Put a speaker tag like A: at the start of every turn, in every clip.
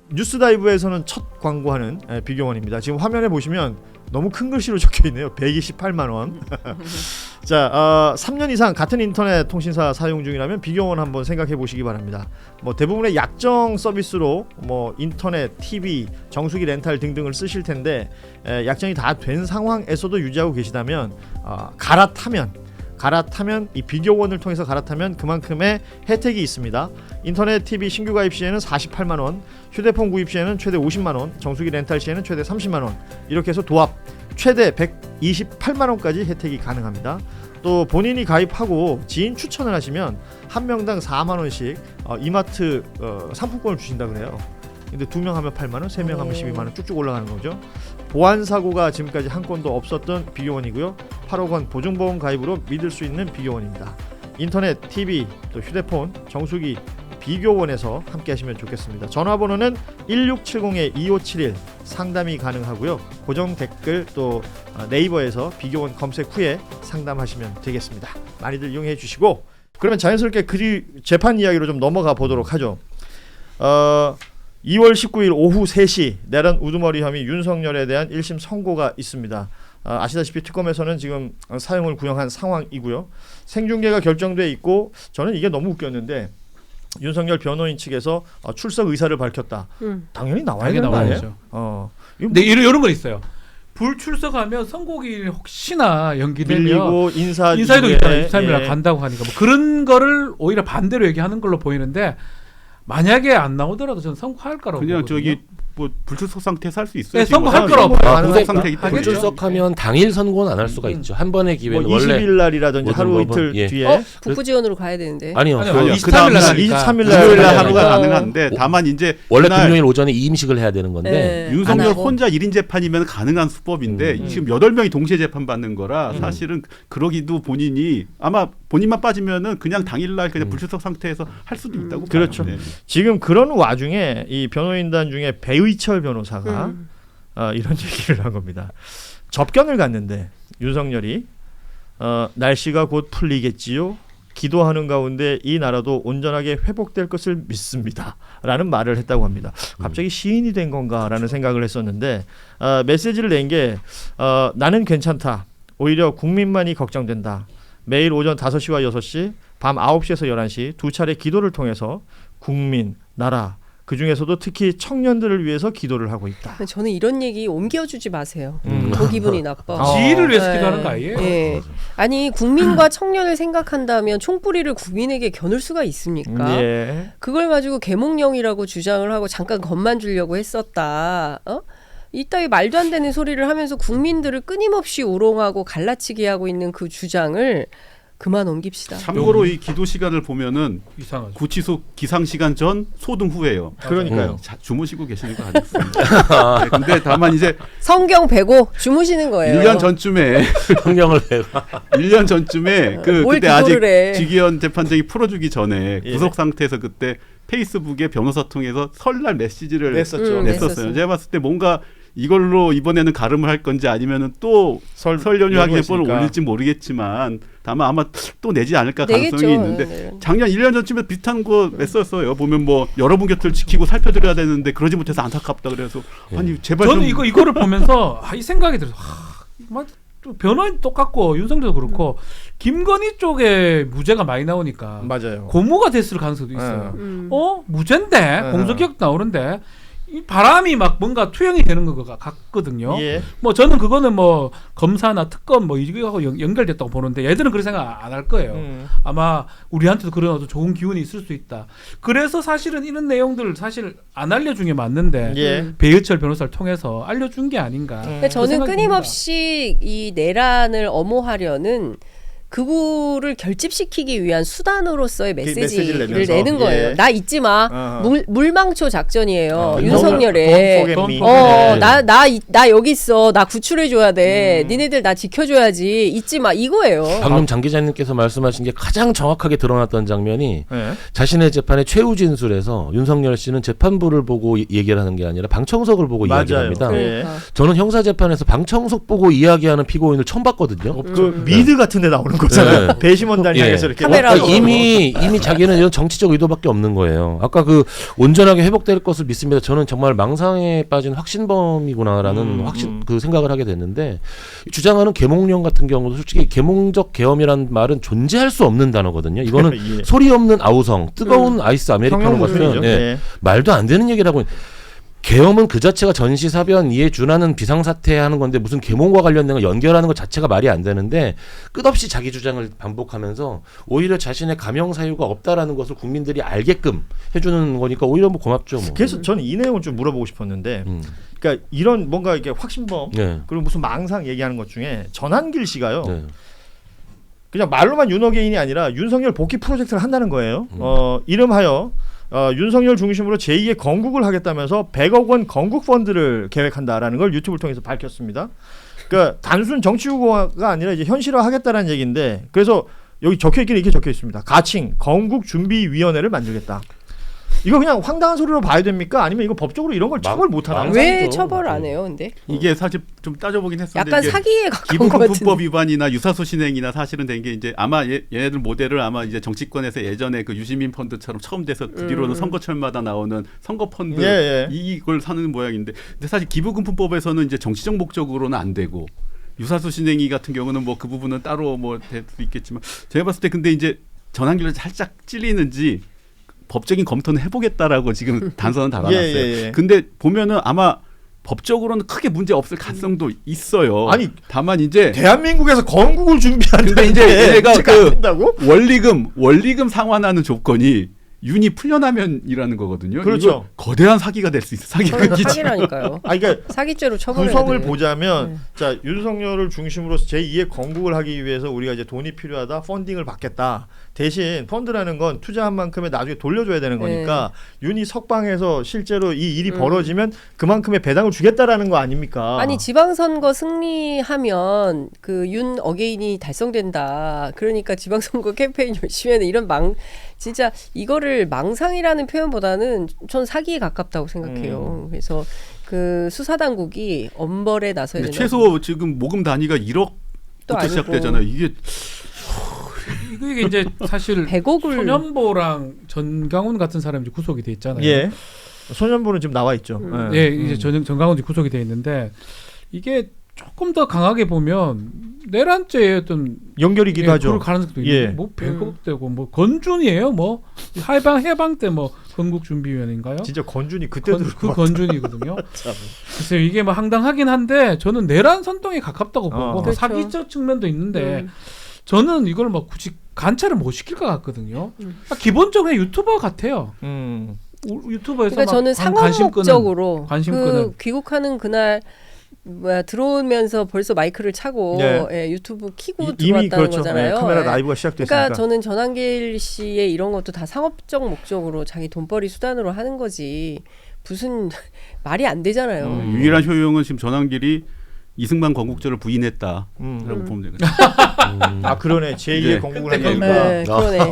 A: 뉴스다이브에서는 첫 광고하는 비교원입니다. 지금 화면에 보시면 너무 큰 글씨로 적혀 있네요. 128만 원. 자, 3년 이상 같은 인터넷 통신사 사용 중이라면 비교원 한번 생각해 보시기 바랍니다. 뭐 대부분의 약정 서비스로 뭐 인터넷, TV, 정수기 렌탈 등등을 쓰실 텐데 약정이 다 된 상황에서도 유지하고 계시다면 갈아타면 이 비교원을 통해서 갈아타면 그만큼의 혜택이 있습니다. 인터넷 TV 신규 가입 시에는 48만 원, 휴대폰 구입 시에는 최대 50만 원, 정수기 렌탈 시에는 최대 30만 원, 이렇게 해서 도합 최대 128만 원까지 혜택이 가능합니다. 또 본인이 가입하고 지인 추천을 하시면 한 명당 4만 원씩 이마트 상품권을 주신다 그래요. 근데 2명 하면 8만 원, 3명 하면 12만 원 쭉쭉 올라가는 거죠. 보안 사고가 지금까지 한 건도 없었던 비교원이고요. 8억 원 보증보험 가입으로 믿을 수 있는 비교원입니다. 인터넷, TV, 또 휴대폰, 정수기 비교원에서 함께 하시면 좋겠습니다. 전화번호는 1670-2571 상담이 가능하고요. 고정 댓글 또 네이버에서 비교원 검색 후에 상담하시면 되겠습니다. 많이들 이용해 주시고, 그러면 자연스럽게 재판 이야기로 좀 넘어가 보도록 하죠. 2월 19일 오후 3시 내란 우두머리 혐의 윤석열에 대한 1심 선고가 있습니다. 아시다시피 특검에서는 지금 사형을 구형한 상황이고요. 생중계가 결정돼 있고, 저는 이게 너무 웃겼는데 윤석열 변호인 측에서 출석 의사를 밝혔다. 당연히 나와야 되는 거 아니에요?
B: 근데 이런 건 있어요. 불출석하면 선고일 혹시나 연기되면
A: 밀리고
B: 인사이동 있다가 23일날 간다고 하니까 뭐 그런 거를 오히려 반대로 얘기하는 걸로 보이는데, 만약에 안 나오더라도 저는 선고할 거라고
C: 그냥
B: 보거든요.
C: 저기 뭐 불출석 상태에서 할 수 있어요.
B: 네, 선고할 거라고
C: 불출석 상태이기 때문에.
D: 불출석하면 당일 선고는 안 할 수가 있죠. 한 번의 기회는
A: 뭐 20일
D: 원래
A: 날이라든지 하루 이틀 뒤에
E: 북부 지원으로 가야 되는데.
D: 아니요.
B: 23일 날
A: 23일
C: 일요일 날
A: 날
C: 하루가 가능한데, 다만 이제
D: 원래 금요일 오전에 이임식을 해야 되는 건데
C: 윤석열 혼자 1인 재판이면 가능한 수법인데 지금 8명이 동시에 재판받는 거라 사실은 그러기도 본인이 아마 본인만 빠지면은 그냥 당일날 그냥 불출석 상태에서 할 수도 있다고
A: 그렇죠.
C: 봐요. 네.
A: 지금 그런 와중에 이 변호인단 중에 배의철 변호사가 이런 얘기를 한 겁니다. 접견을 갔는데 윤석열이 날씨가 곧 풀리겠지요. 기도하는 가운데 이 나라도 온전하게 회복될 것을 믿습니다. 라는 말을 했다고 합니다. 갑자기 시인이 된 건가라는 생각을 했었는데 메시지를 낸 게 나는 괜찮다. 오히려 국민만이 걱정된다. 매일 오전 5시와 6시, 밤 9시에서 11시 두 차례 기도를 통해서 국민, 나라, 그중에서도 특히 청년들을 위해서 기도를 하고 있다.
E: 저는 이런 얘기 옮겨주지 마세요. 더 기분이 나빠.
B: 지위를 위해서 기도하는 거 아니에요?
E: 네. 아니, 국민과 청년을 생각한다면 총뿌리를 국민에게 겨눌 수가 있습니까?
A: 예.
E: 그걸 가지고 계몽령이라고 주장을 하고 잠깐 겁만 주려고 했었다. 이따위 말도 안 되는 소리를 하면서 국민들을 끊임없이 우롱하고 갈라치게 하고 있는 그 주장을 그만 옮깁시다.
C: 참고로 이 기도 시간을 보면은
B: 이상하죠.
C: 구치소 기상 시간 전, 소등 후예요.
A: 그러니까요.
C: 주무시고 계시는 거 아니겠습니까? 네, 근데 다만 이제
E: 성경 베고 주무시는 거예요.
C: 1년 전쯤에
D: 성경을 배워.
C: 1년 전쯤에
E: 뭘
C: 그때 아직
E: 기도를 해.
C: 직위원 재판장이 풀어주기 전에
A: 예.
C: 구속 상태에서 그때 페이스북에 변호사 통해서 설날 메시지를
A: 냈었죠.
C: 냈었어요. 제가 봤을 때 뭔가 이걸로 이번에는 가름을 할 건지 아니면은 또 설 연휴 하기 전에 뻔을 올릴지 모르겠지만 다만 아마 또 내지 않을까 가능성이
E: 내겠죠.
C: 있는데
E: 네.
C: 작년 1년 전쯤에 비슷한 거 냈었어요. 보면 뭐 여러분 곁을 지키고 살펴드려야 되는데 그러지 못해서 안타깝다 그래서 아니 제발
B: 저는
C: 좀
B: 이거를 보면서 이 생각이 들어서 또 변호인 똑같고 윤석열도 그렇고 김건희 쪽에 무죄가 많이 나오니까
A: 맞아요.
B: 고무가 됐을 가능성도 있어요. 무죄인데 공소기각 나오는데 이 바람이 막 뭔가 투영이 되는 것 같거든요.
A: 예.
B: 뭐 저는 그거는 뭐 검사나 특검 뭐 이거하고 연결됐다고 보는데 얘들은 그런 생각 안 할 거예요. 아마 우리한테도 그런 어떤 좋은 기운이 있을 수 있다. 그래서 사실은 이런 내용들을 사실 안 알려준 게 맞는데
A: 예.
B: 배의철 변호사를 통해서 알려준 게 아닌가.
E: 근데 저는 끊임없이 이 내란을 엄호하려는 그거를 결집시키기 위한 수단으로서의 메시지를
A: 내면서.
E: 내는 거예요.
A: 예.
E: 나 잊지 마. 물망초 작전이에요. 윤석열의. 나 여기 있어. 나 구출해줘야 돼. 니네들 나 지켜줘야지. 잊지 마. 이거예요.
D: 방금 장 기자님께서 말씀하신 게 가장 정확하게 드러났던 장면이
A: 네.
D: 자신의 재판의 최후 진술에서 윤석열 씨는 재판부를 보고 얘기를 하는 게 아니라 방청석을 보고 이야기를 합니다.
E: 그러니까.
D: 저는 형사재판에서 방청석 보고 이야기하는 피고인을 처음 봤거든요.
A: 그 미드 같은 데 나오는 거잖아요.
D: 네.
A: 배심원단이
D: 예.
A: 향해서 이렇게
E: 카메라
D: 그러니까 이미 자기는 이런 정치적 의도밖에 없는 거예요. 아까 그 온전하게 회복될 것을 믿습니다. 저는 정말 망상에 빠진 확신범이구나라는 그 생각을 하게 됐는데 주장하는 계몽령 같은 경우도 솔직히 계몽적 계엄이라는 말은 존재할 수 없는 단어거든요. 이거는
A: 예.
D: 소리 없는 아우성, 뜨거운 아이스 아메리카노 같은
A: 평형무술이죠. 예.
D: 말도 안 되는 얘기를 하고 계엄은 그 자체가 전시사변 이에 준하는 비상사태 하는 건데 무슨 계몽과 관련된 걸 연결하는 것 자체가 말이 안 되는데 끝없이 자기 주장을 반복하면서 오히려 자신의 감형 사유가 없다라는 것을 국민들이 알게끔 해주는 거니까 오히려 뭐 고맙죠. 뭐.
A: 그래서 저는 이 내용을 좀 물어보고 싶었는데, 그러니까 이런 뭔가 이게 확신범
D: 네.
A: 그리고 무슨 망상 얘기하는 것 중에 전한길 씨가요.
D: 네.
A: 그냥 말로만 윤어게인이 아니라 윤석열 복귀 프로젝트를 한다는 거예요. 이름하여 윤석열 중심으로 제2의 건국을 하겠다면서 100억 원 건국 펀드를 계획한다라는 걸 유튜브를 통해서 밝혔습니다. 그러니까 단순 정치 후보가 아니라 이제 현실화하겠다라는 얘기인데, 그래서 여기 적혀 있기는 이렇게 적혀 있습니다. 가칭 건국준비위원회를 만들겠다. 이거 그냥 황당한 소리로 봐야 됩니까? 아니면 이거 법적으로 이런 걸 처벌 못 하나요?
E: 왜
D: 망상이죠.
E: 처벌을 안 해요, 근데?
C: 이게 사실 좀 따져보긴 했었는데
E: 약간
C: 이게
E: 사기에 가까운 것
C: 기부금품법
E: 같은데.
C: 위반이나 유사소 신행이나 사실은 된 게 이제 아마 얘네들 모델을 아마 이제 정치권에서 예전에 그 유시민 펀드처럼 처음 돼서 뒤로는 선거철마다 나오는 선거 펀드
A: 예.
C: 이걸 사는 모양인데, 근데 사실 기부금품법에서는 이제 정치적 목적으로는 안 되고 유사소 신행위 같은 경우는 뭐 그 부분은 따로 뭐 될 수 있겠지만 제가 봤을 때 근데 이제 전환길로 살짝 찔리는지 법적인 검토는 해보겠다라고 지금 단서는 달아놨어요.
A: 예.
C: 근데 보면은 아마 법적으로는 크게 문제 없을 가능성도 있어요.
A: 아니,
C: 다만 이제
A: 대한민국에서 건국을 준비한다는데
C: 근데 이제 얘가
A: 안 된다고?
C: 원리금 상환하는 조건이 윤이 풀려나면이라는 거거든요.
A: 그렇죠.
C: 이거 거대한 사기가 될 수 있어.
E: 사기라니까요.
A: 아, 그러니까
E: 사기죄로 처벌해야
A: 구성을
E: 돼.
A: 보자면 자 윤석열을 중심으로 제2의 건국을 하기 위해서 우리가 이제 돈이 필요하다, 펀딩을 받겠다. 대신 펀드라는 건 투자한 만큼의 나중에 돌려줘야 되는 거니까 윤이 석방해서 실제로 이 일이 벌어지면 그만큼의 배당을 주겠다라는 거 아닙니까?
E: 아니 지방선거 승리하면 그 윤 어게인이 달성된다. 그러니까 지방선거 캠페인 열심히 하는 이런 진짜 이거를 망상이라는 표현보다는 전 사기에 가깝다고 생각해요. 그래서 그 수사당국이 엄벌에 나서야 된다.
C: 최소 지금 모금 단위가 1억부터 시작되잖아요. 이게
B: 이게 이제 사실
E: 100억을
B: 손현보랑 전강훈 같은 사람이 이제 구속이 돼 있잖아요.
A: 예. 소년부는 지금 나와 있죠.
B: 예, 이제 전강훈이 구속이 돼 있는데 이게 조금 더 강하게 보면 내란죄의 어떤
A: 연결이기도 하죠.
B: 그럴 가능성도
A: 예.
B: 있는데 뭐 100억 되고 뭐 건준이에요. 뭐 해방 때 뭐 건국준비위원회인가요?
A: 진짜 건준이 그때
B: 그 건준이거든요. 그래서 이게 뭐 황당하긴 한데 저는 내란 선동에 가깝다고 보고 뭐
E: 그렇죠.
B: 사기적 측면도 있는데 저는 이걸 뭐 굳이 관찰을 못 시킬 것 같거든요. 기본적으로 유튜버 같아요. 유튜버에서
E: 그러니까 저는 상업 목적으로
B: 관심
E: 그
B: 끄는
E: 귀국하는 그날 들어오면서 벌써 마이크를 차고 예, 유튜브 키고
A: 이미
E: 들어왔다는
A: 그렇죠.
E: 거잖아요.
A: 카메라
E: 예.
A: 라이브가 시작됐으니까.
E: 그러니까 저는 전한길 씨의 이런 것도 다 상업적 목적으로 자기 돈벌이 수단으로 하는 거지 무슨 말이 안 되잖아요.
C: 유일한 효용은 지금 전환길이 이승만 건국절을 부인했다라고 보면 되거든요.
A: 아 그러네. 제2의
C: 예.
A: 건국을
B: 그때
A: 하니까.
E: 네, 그러네.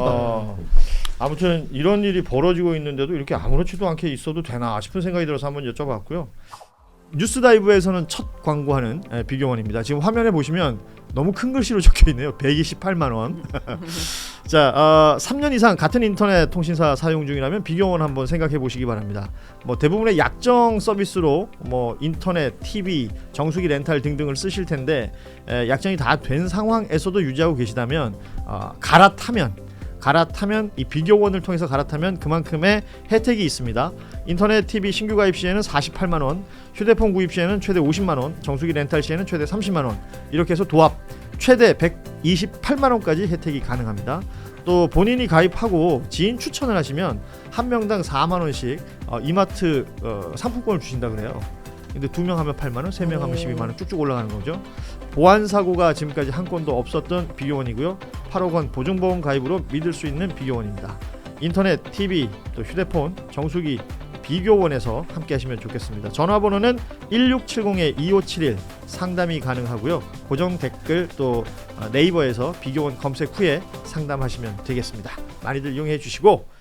A: 아무튼 이런 일이 벌어지고 있는데도 이렇게 아무렇지도 않게 있어도 되나 싶은 생각이 들어서 한번 여쭤봤고요. 뉴스다이브에서는 첫 광고하는 비경원입니다. 지금 화면에 보시면 너무 큰 글씨로 적혀있네요. 128만 원. 자, 3년 이상 같은 인터넷 통신사 사용 중이라면 비경원 한번 생각해 보시기 바랍니다. 뭐 대부분의 약정 서비스로 뭐 인터넷, TV, 정수기 렌탈 등등을 쓰실 텐데 약정이 다 된 상황에서도 유지하고 계시다면 갈아타면 이 비교원을 통해서 갈아타면 그만큼의 혜택이 있습니다. 인터넷 TV 신규 가입 시에는 48만 원, 휴대폰 구입 시에는 최대 50만 원, 정수기 렌탈 시에는 최대 30만 원, 이렇게 해서 도합 최대 128만 원까지 혜택이 가능합니다. 또 본인이 가입하고 지인 추천을 하시면 한 명당 4만 원씩 이마트 상품권을 주신다 그래요. 근데 2명 하면 8만 원, 3명 하면 12만 원 쭉쭉 올라가는 거죠. 보안 사고가 지금까지 한 건도 없었던 비교원이고요. 8억 원 보증보험 가입으로 믿을 수 있는 비교원입니다. 인터넷, TV, 또 휴대폰, 정수기 비교원에서 함께 하시면 좋겠습니다. 전화번호는 1670-2571 상담이 가능하고요. 고정 댓글 또 네이버에서 비교원 검색 후에 상담하시면 되겠습니다. 많이들 이용해 주시고